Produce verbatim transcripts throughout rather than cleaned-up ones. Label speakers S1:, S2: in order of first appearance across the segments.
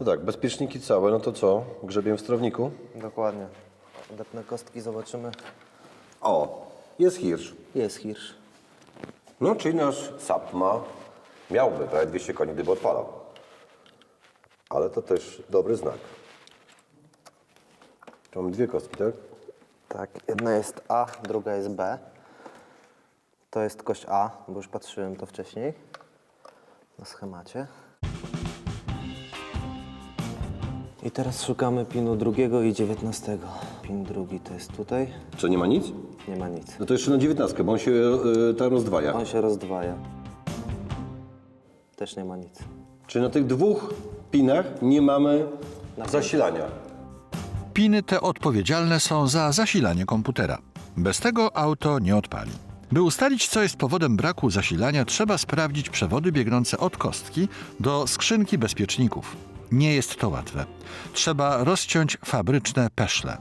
S1: To tak, bezpieczniki całe, no to co? Grzebię w sterowniku?
S2: Dokładnie. Odepnę kostki, zobaczymy.
S1: O, jest hirsz.
S2: Jest hirsz.
S1: No, czyli nasz S A P ma, miałby prawie dwieście koni, gdyby odpalał. Ale to też dobry znak. Tu mamy dwie kostki, tak?
S2: Tak, jedna jest A, druga jest B. To jest kość A, bo już patrzyłem to wcześniej na schemacie. I teraz szukamy pinu drugiego i dziewiętnastego. Pin drugi to jest tutaj.
S1: Co, nie ma nic?
S2: Nie ma nic.
S1: No to jeszcze na dziewiętnastkę, bo on się yy, tam rozdwaja.
S2: On się rozdwaja. Też nie ma nic.
S1: Czyli na tych dwóch pinach nie mamy zasilania.
S3: Piny te odpowiedzialne są za zasilanie komputera. Bez tego auto nie odpali. By ustalić, co jest powodem braku zasilania, trzeba sprawdzić przewody biegnące od kostki do skrzynki bezpieczników. Nie jest to łatwe. Trzeba rozciąć fabryczne peszle.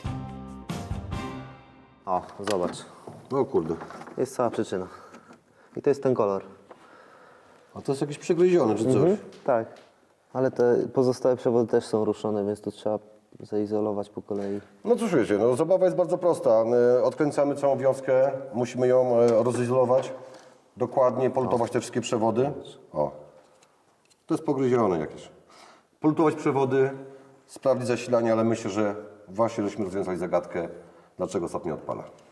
S2: O, zobacz.
S1: O kurde.
S2: Jest cała przyczyna. I to jest ten kolor.
S1: A to jest jakieś przegryzione czy coś?
S2: Mhm, tak. Ale te pozostałe przewody też są ruszone, więc to trzeba zaizolować po kolei.
S1: No cóż wiecie, no zabawa jest bardzo prosta. E, Odkręcamy całą wiązkę, musimy ją e, rozizolować, dokładnie polutować te wszystkie przewody. O, to jest pogryzione jakieś. Polutować przewody, sprawdzić zasilanie, ale myślę, że właśnie żeśmy rozwiązali zagadkę, dlaczego S A P nie odpala.